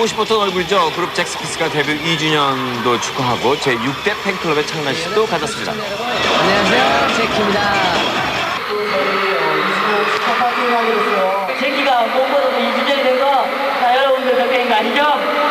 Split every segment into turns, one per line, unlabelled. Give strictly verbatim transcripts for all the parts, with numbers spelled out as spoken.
보고 싶었던 얼굴이죠. 그룹 잭스키스가 데뷔 이 주년도 축하하고 제육 대 팬클럽의 창단식도 가졌습니다.
안녕하세요, 제키입니다.
제키가 무엇보다도 이 주년이 된 거 다 여러분들 덕분인 거 아시죠?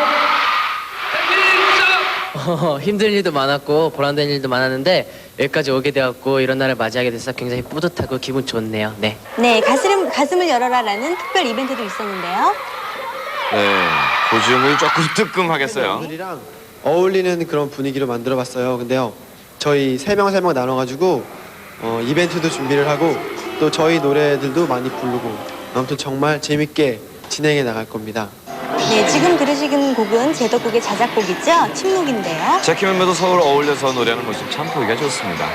어, 힘든 일도 많았고 보람된 일도 많았는데 여기까지 오게 되었고 이런 날을 맞이하게 돼서 굉장히 뿌듯하고 기분 좋네요. 네.
네, 가슴, 가슴을 열어라라는 특별 이벤트도 있었는데요.
네, 고지영이 조금 뜨끔하겠어요.
오늘이랑 어울리는 그런 분위기로 만들어봤어요. 근데요, 저희 세 명 세 명 나눠가지고 어, 이벤트도 준비를 하고 또 저희 노래들도 많이 부르고 아무튼 정말 재밌게 진행해 나갈 겁니다.
네, 지금 들으신 곡은 제덕국의 자작곡이죠. 침묵인데요.
제키 멤버도 서로 어울려서 노래하는 모습 참 보기가 좋습니다.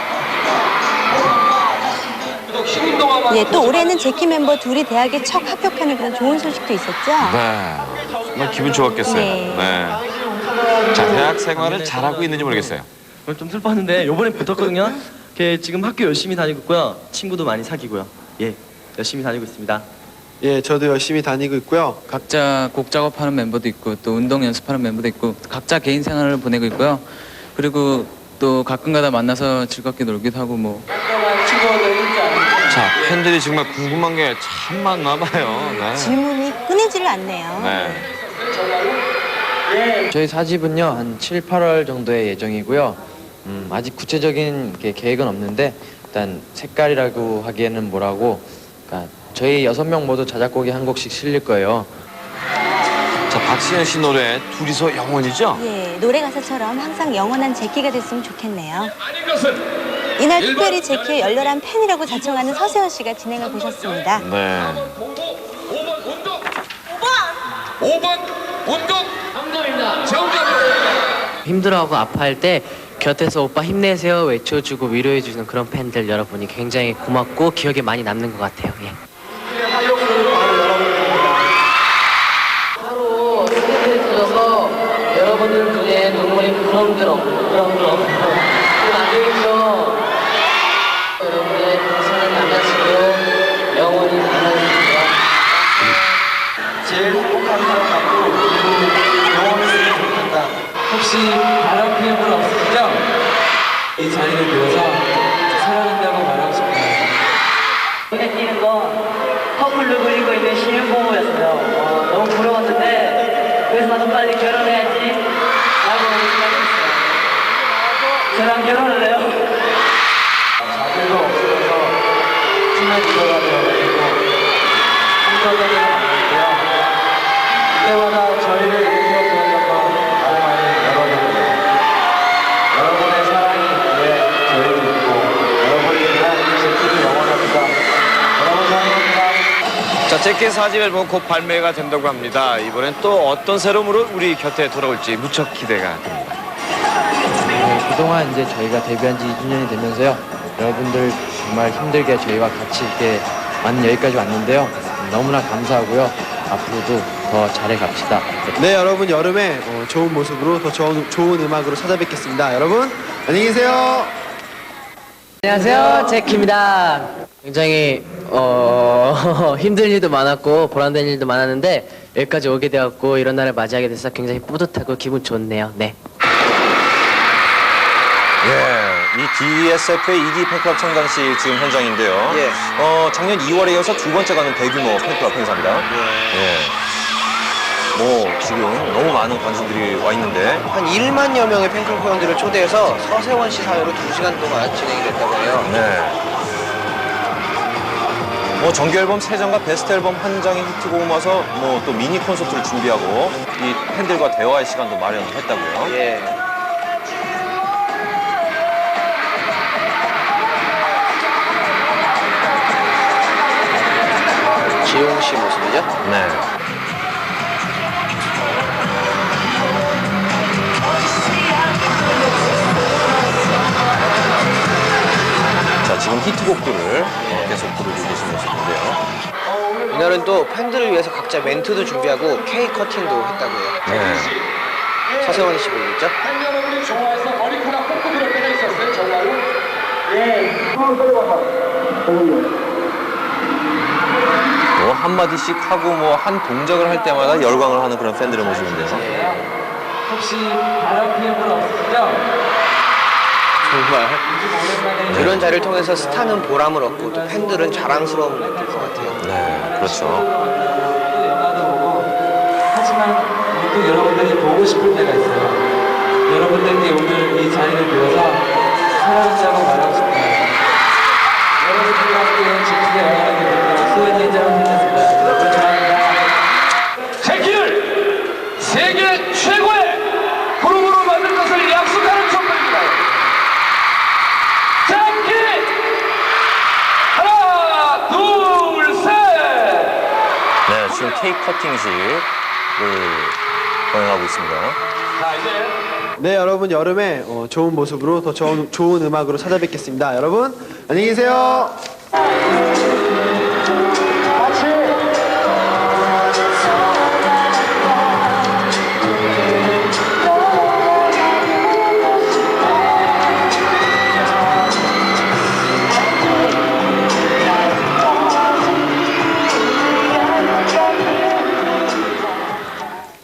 네, 또 올해는 제키 멤버 둘이 대학에 척 합격하는 그런 좋은 소식도 있었죠.
네, 정말 기분 좋았겠어요.
네.
네. 자, 대학 생활을 잘하고 있는지 모르겠어요.
오늘 좀 슬펐는데 요번에 붙었거든요. 걔 지금 학교 열심히 다니고 있고요. 친구도 많이 사귀고요. 예, 열심히 다니고 있습니다.
예, 저도 열심히 다니고 있고요.
각자 곡 작업하는 멤버도 있고 또 운동 연습하는 멤버도 있고 각자 개인 생활을 보내고 있고요. 그리고 또 가끔가다 만나서 즐겁게 놀기도 하고 뭐.
자, 팬들이 정말 궁금한 게 참 많나 봐요. 네.
질문이 끊이지를 않네요.
네.
저희 사집은요 한 칠, 팔월 정도의 예정이고요. 음, 아직 구체적인 게 계획은 없는데 일단 색깔이라고 하기에는 뭐라고 그러니까 저희 여섯 명 모두 자작곡이 한 곡씩 실릴 거예요.
자, 박신현 씨 노래 둘이서 영원이죠?
예, 노래 가사처럼 항상 영원한 제키가 됐으면 좋겠네요. 이날 특별히 제키의 열렬한 팬이라고 자청하는 서세원 씨가 진행을 보셨습니다.
네.
힘들어하고 아파할 때 곁에서 오빠 힘내세요 외쳐주고 위로해주는 그런 팬들 여러분이 굉장히 고맙고 기억에 많이 남는 것 같아요. 예. 하루 스케줄에 터져서 여러분들 눈에 눈물이 그렁그렁 그렁그렁 그럼 안 되겠죠. 여러분의 사랑하는 남자친구 영원히 만나주세요.
제일 행복한 사람하고 영원했으면 좋겠다. 혹시 다른 피해분 없으시죠? 이 자리를 비워서 사랑한다고 말하고 싶어요.
눈에 띄는 건 커플로 그리고 있는 신혼부부였어요. 어, 너무 부러웠는데 그래서 나도 빨리 결혼해야지 라고 생각했어요. 저랑 결혼을 해요.
자들도 없으면서 친해지더라 되어가지고 한꺼번에 만났고요. 그때마다 저희를 일으켜주었던 건 다름 아닌 여러분이에요. 여러분의 사랑이 왜 저희도 있고 여러분이 위한 제키도 영원합니다. 여러분 사랑합니다.
자, 제키 사 집 앨범 곧 발매가 된다고 합니다. 이번엔 또 어떤 새로움으로 우리 곁에 돌아올지 무척 기대가 됩니다.
네, 그동안 이제 저희가 데뷔한 지 이 주년이 되면서요. 여러분들 정말 힘들게 저희와 같이 이렇게 많은 여기까지 왔는데요. 너무나 감사하고요. 앞으로도 더 잘해 갑시다.
네, 여러분 여름에 어, 좋은 모습으로 더 좋은, 좋은 음악으로 찾아뵙겠습니다. 여러분 안녕히 계세요.
안녕하세요, 제키입니다. 굉장히 어, 힘든 일도 많았고 보람된 일도 많았는데 여기까지 오게 되었고 이런 날을 맞이하게 돼서 굉장히 뿌듯하고 기분 좋네요. 네.
예, 이 디에스에프의 이 기 팬클럽 창단식 지금 현장인데요.
예.
어, 작년 이월에 이어서 두 번째 가는 대규모 팬클럽 행사입니다. 예. 뭐 지금 너무 많은 관심들이 와 있는데
한 일만여 명의 팬클럽 회원들을 초대해서 서세원 씨 사회로 두 시간 동안 진행이 됐다고 해요.
네. 뭐 정규 앨범 세 장과 베스트 앨범 한 장의 히트곡을 모아서 뭐 또 미니 콘서트를 준비하고 이 팬들과 대화의 시간도 마련했다고요.
예. 지용 씨 모습이죠?
네. 자, 지금 히트곡들을 어, 계속 부르고 계신 모습인데요.
이날은 또 팬들을 위해서 각자 멘트도 준비하고 케이크 커팅도 했다고요.
네.
서세원 씨 보이겠죠?
팬 여러분이 좋아해서 머리카락 꽂고 그럴 때가 있었어요, 정말로? 예. 한번 써봐봐.
뭐 한마디씩 하고 뭐 한 동작을 할 때마다 열광을 하는 그런 팬들의 모습인데요.
혹시 바람 피는 분 없으시죠?
정말
오랜만에
이런 자리를 통해서 스타는 보람을 얻고 또 팬들은 자랑스러움을 느낄 것 같아요.
네, 그렇죠.
또 영화도 보고 하지만 또 여러분들이 보고 싶을 때가 있어요. 여러분들께 오늘 이 자리를 비워서 사랑한다고 말하고 싶어요. 여러분들과 함께 지키게 응원하게 됩니다. 수원 인정을 드렸습니다. 여러분 사랑합니다.
제키를 세계 최고의 그룹으로 만들 것을 약속하는 선물입니다. 제키 하나 둘 셋.
네, 지금 케이크 커팅식을 거행하고 있습니다.
자 이제
네, 여러분 여름에 어, 좋은 모습으로 더 좋은, 좋은 음악으로 찾아뵙겠습니다. 여러분 안녕히 계세요.